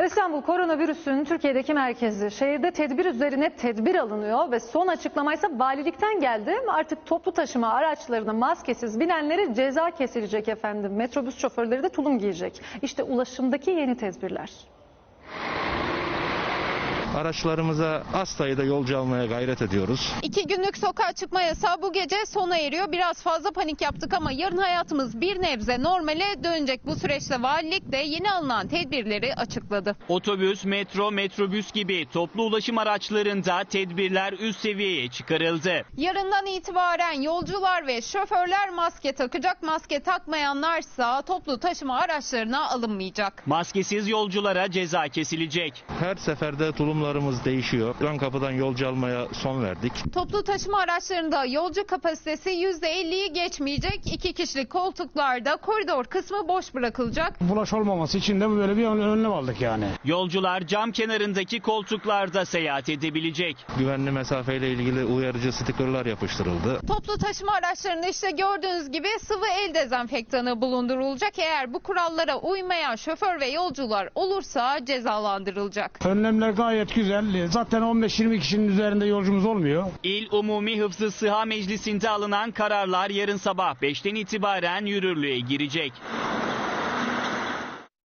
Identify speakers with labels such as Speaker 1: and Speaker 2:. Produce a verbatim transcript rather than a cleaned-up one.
Speaker 1: İstanbul koronavirüsün Türkiye'deki merkezi. Şehirde tedbir üzerine tedbir alınıyor ve son açıklamaysa valilikten geldi. Artık toplu taşıma araçlarına maskesiz binenlere ceza kesilecek efendim. Metrobüs şoförleri de tulum giyecek. İşte ulaşımdaki yeni tedbirler.
Speaker 2: Araçlarımıza az sayıda yolcu almaya gayret ediyoruz.
Speaker 3: İki günlük sokağa çıkma yasağı bu gece sona eriyor. Biraz fazla panik yaptık ama yarın hayatımız bir nebze normale dönecek. Bu süreçte valilik de yeni alınan tedbirleri açıkladı.
Speaker 4: Otobüs, metro, metrobüs gibi toplu ulaşım araçlarında tedbirler üst seviyeye çıkarıldı.
Speaker 3: Yarından itibaren yolcular ve şoförler maske takacak. Maske takmayanlarsa toplu taşıma araçlarına alınmayacak.
Speaker 4: Maskesiz yolculara ceza kesilecek.
Speaker 2: Her seferde tulumlarımız değişiyor. Ön kapıdan yolcu almaya son verdik.
Speaker 3: Toplu taşıma araçlarında yolcu kapasitesi yüzde elliyi geçmeyecek. İki kişilik koltuklarda koridor kısmı boş bırakılacak.
Speaker 5: Bulaş olmaması için de böyle bir önlem aldık yani.
Speaker 4: Yolcular cam kenarındaki koltuklarda seyahat edebilecek.
Speaker 2: Güvenli mesafeyle ilgili uyarıcı stikerler yapıştırıldı.
Speaker 3: Toplu taşıma araçlarında işte gördüğünüz gibi sıvı el dezenfektanı bulundurulacak. Eğer bu kurallara uymayan şoför ve yolcular olursa cezalandırılacak.
Speaker 5: Önlemler gayet güzel. Zaten on beş yirmi kişinin üzerinde yolcumuz olmuyor.
Speaker 4: İl Umumi Hıfzı Sıha Meclisi'nde alınan kararlar yarın sabah beşten itibaren yürürlüğe girecek.